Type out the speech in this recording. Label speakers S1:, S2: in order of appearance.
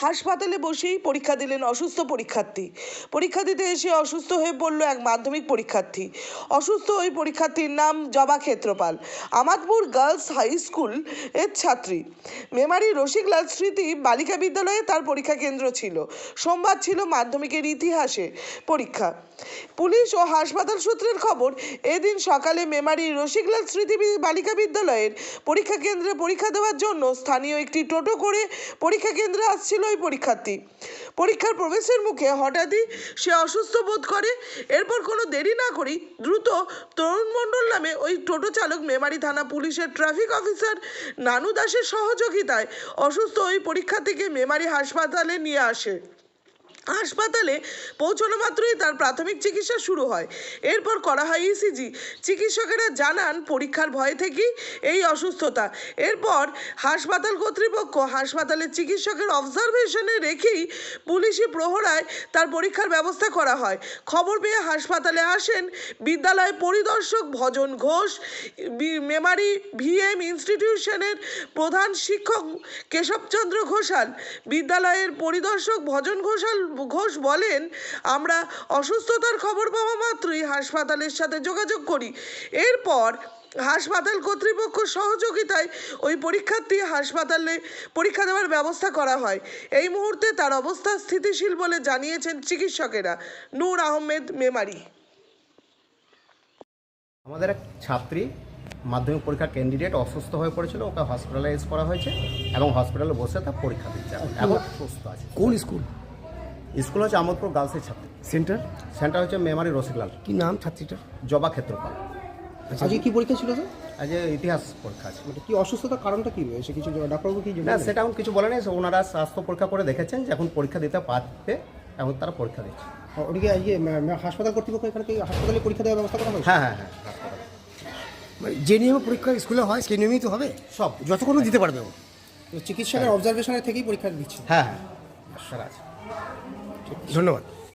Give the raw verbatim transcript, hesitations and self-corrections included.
S1: হাসপাতালে বসেই পরীক্ষা দিলেন অসুস্থ পরীক্ষার্থী। পরীক্ষা দিতে এসে অসুস্থ হয়ে পড়ল এক মাধ্যমিক পরীক্ষার্থী। অসুস্থ ওই পরীক্ষার্থীর নাম Joba Kshetrapal, Amadpur girls high school এর ছাত্রী। মেমারি রসিকলাল স্মৃতি বালিকা বিদ্যালয়ে তার পরীক্ষা কেন্দ্র ছিল। সোমবার ছিল মাধ্যমিকের ইতিহাসে পরীক্ষা। পুলিশ ও হাসপাতাল সূত্রের খবর, এদিন সকালে মেমারি রসিকলাল স্মৃতি বালিকা বিদ্যালয়ের পরীক্ষা কেন্দ্রে পরীক্ষা দেওয়ার জন্য স্থানীয় একটি টোটো করে পরীক্ষা কেন্দ্রে আসছিল ওই পরীক্ষার্থী। পরীক্ষার প্রবেশের মুখে হঠাৎই সে অসুস্থ বোধ করে। এরপর কোনো দেরি না করেই দ্রুত তরুণ মণ্ডল নামে ওই টোটো চালক মেমারি থানা পুলিশের ট্রাফিক অফিসার নানু দাসের সহযোগিতায় অসুস্থ ওই পরীক্ষার্থীকে মেমারি হাসপাতালে নিয়ে আসে। হাসপাতালে পৌঁছানো মাত্রই তার প্রাথমিক চিকিৎসা শুরু হয়। এরপর করা হয় ইসিজি। চিকিৎসকেরা জানান পরীক্ষার ভয় থেকেই এই অসুস্থতা। এরপর হাসপাতাল কর্তৃপক্ষ হাসপাতালের চিকিৎসকের অবজারভেশনে রেখেই পুলিশি প্রহরায় তার পরীক্ষার ব্যবস্থা করা হয়। খবর পেয়ে হাসপাতালে আসেন বিদ্যালয় পরিদর্শক ভজন ঘোষ, মেমারি ভিএম ইনস্টিটিউশনের প্রধান শিক্ষক কেশবচন্দ্র ঘোষাল। বিদ্যালয়ের পরিদর্শক ভজন ঘোষাল ঘোষ বলেন, আমরা অসুস্থতার খবর পাওয়া মাত্রই হাসপাতালের সাথে যোগাযোগ করি। এরপর হাসপাতাল কর্তৃপক্ষ সহযোগিতায় ওই পরীক্ষার্থী হাসপাতালে পরীক্ষা দেওয়ার ব্যবস্থা করা হয়। এই মুহূর্তে তার অবস্থা স্থিতিশীল বলে জানিয়েছেন চিকিৎসকেরা। নূর আহমেদ, মেমারি।
S2: আমাদের এক ছাত্রী মাধ্যমিক পরীক্ষার ক্যান্ডিডেট অসুস্থ হয়ে পড়েছিল, ওকে হসপিটালাইজ করা হয়েছে এবং হসপিটালে বসে তার পরীক্ষা দিচ্ছে। এখন সুস্থ আছে।
S3: কোন স্কুল?
S2: স্কুল হচ্ছে আমাদপুর গার্লসের ছাত্রী।
S3: সেন্টার?
S2: সেন্টার হচ্ছে মেমারি রসিকলাল।
S3: কি নাম ছাত্রীটার?
S2: জবা ক্ষেত্রপাল।
S3: আজকে কি পরীক্ষা ছিল স্যার?
S2: আজ ইতিহাস পরীক্ষা আছে।
S3: মানে কি অসুস্থতার কারণটা কি রয়েছে? কিছু ডাক্তারবাবু কি
S2: না, সেটা এখন কিছু বলেনি। ওনারা স্বাস্থ্য পরীক্ষা করে দেখেছেন যে এখন পরীক্ষা দিতে পারবে, এখন তারা পরীক্ষা দিচ্ছে।
S3: ওদিকে আজকে হাসপাতাল কর্তৃপক্ষ এখানে কি হাসপাতালে পরীক্ষা দেওয়ার ব্যবস্থা করা হয়েছে?
S2: হ্যাঁ হ্যাঁ হ্যাঁ হাসপাতাল।
S3: মানে যে নিয়মে পরীক্ষা স্কুলে হয় সেই নিয়মেই তো হবে
S2: সব
S3: যতক্ষণ দিতে পারবে ও। চিকিৎসকের অবজারভেশনের থেকেই পরীক্ষা দিচ্ছে।
S2: হ্যাঁ হ্যাঁ স্যার আছে।
S3: ধন্যবাদ।